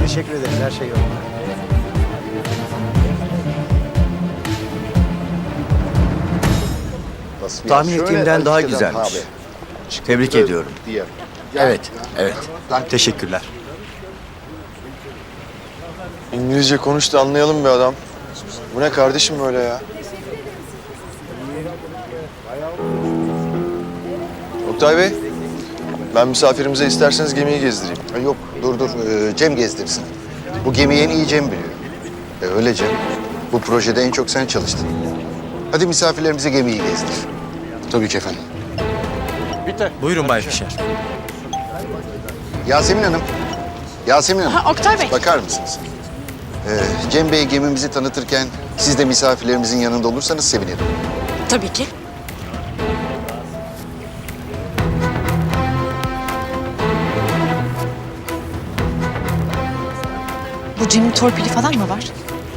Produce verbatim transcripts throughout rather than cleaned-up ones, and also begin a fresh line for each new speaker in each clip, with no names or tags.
Teşekkür ederim. Her şey yolunda.
Tahmin ettiğimden daha güzelmiş. Tebrik ediyorum. Evet, evet.
Teşekkürler.
İngilizce konuş da anlayalım be adam. Bu ne kardeşim böyle ya? Oktay Bey, ben misafirimize isterseniz gemiyi gezdireyim.
Ha, Yok, dur dur. Ee, Cem gezdirsin. Bu gemiyi en iyi Cem biliyor. E, öyle Cem. Bu projede en çok sen çalıştın. Hadi misafirlerimize gemiyi gezdir.
Tabii ki efendim.
Buyurun Bay Fişer.
Yasemin Hanım. Yasemin Hanım.
Ha, Oktay Bey.
Bakar mısınız? Ee, Cem Bey gemimizi tanıtırken siz de misafirlerimizin yanında olursanız sevinirim.
Tabii ki. Bu Cem'in torpili falan mı var?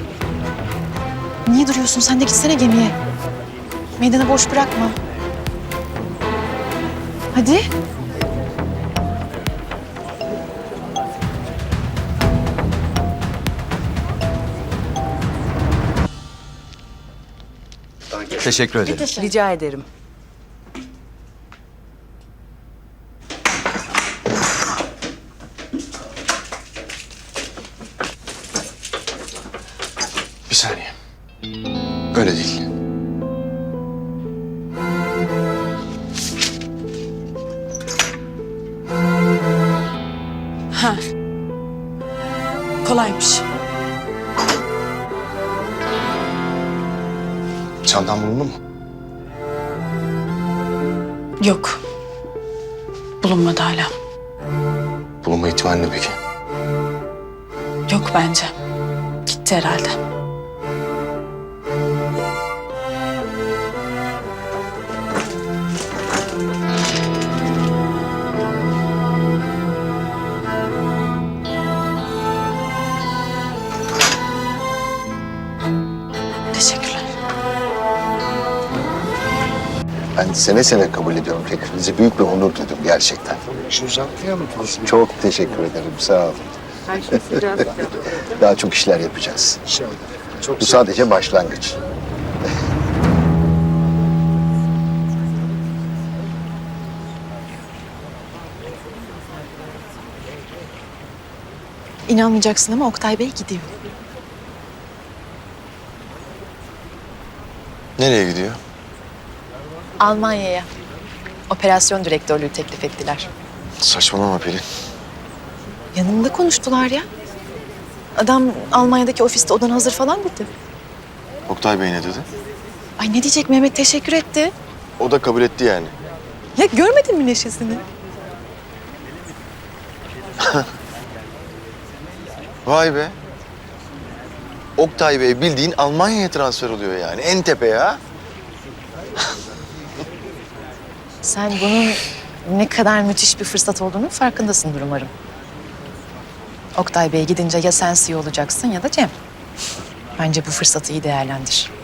Niye duruyorsun? Sen de gitsene gemiye. Meydanı boş bırakma. Hadi.
Teşekkür ederim.
Rica ederim.
Bir saniye. Öyle değil.
Ha. Kolaymış.
Çantam bulundu mu?
Yok. Bulunmadı hala.
Bulunma ihtimali ne peki?
Yok bence. Gitti herhalde. Teşekkürler.
Ben seve seve kabul ediyorum teklifinizi. Büyük bir onur duydum gerçekten. Çok teşekkür ederim. Sağ olun. Daha çok işler yapacağız. Bu sadece başlangıç.
İnanmayacaksın ama Oktay Bey gidiyor.
Nereye gidiyor?
Almanya'ya. Operasyon direktörlüğü teklif ettiler.
Saçmalama Pelin.
Yanımda konuştular ya. Adam Almanya'daki ofiste odan hazır falan dedi.
Oktay Bey ne dedi?
Ay ne diyecek, Mehmet teşekkür etti.
O da kabul etti yani.
Ya görmedin mi neşesini?
Vay be. Oktay Bey bildiğin Almanya'ya transfer oluyor yani. En tepe ya.
Sen bunun ne kadar müthiş bir fırsat olduğunun farkındasındır umarım. Oktay Bey gidince ya sen C E O olacaksın ya da Cem. Bence bu fırsatı iyi değerlendir.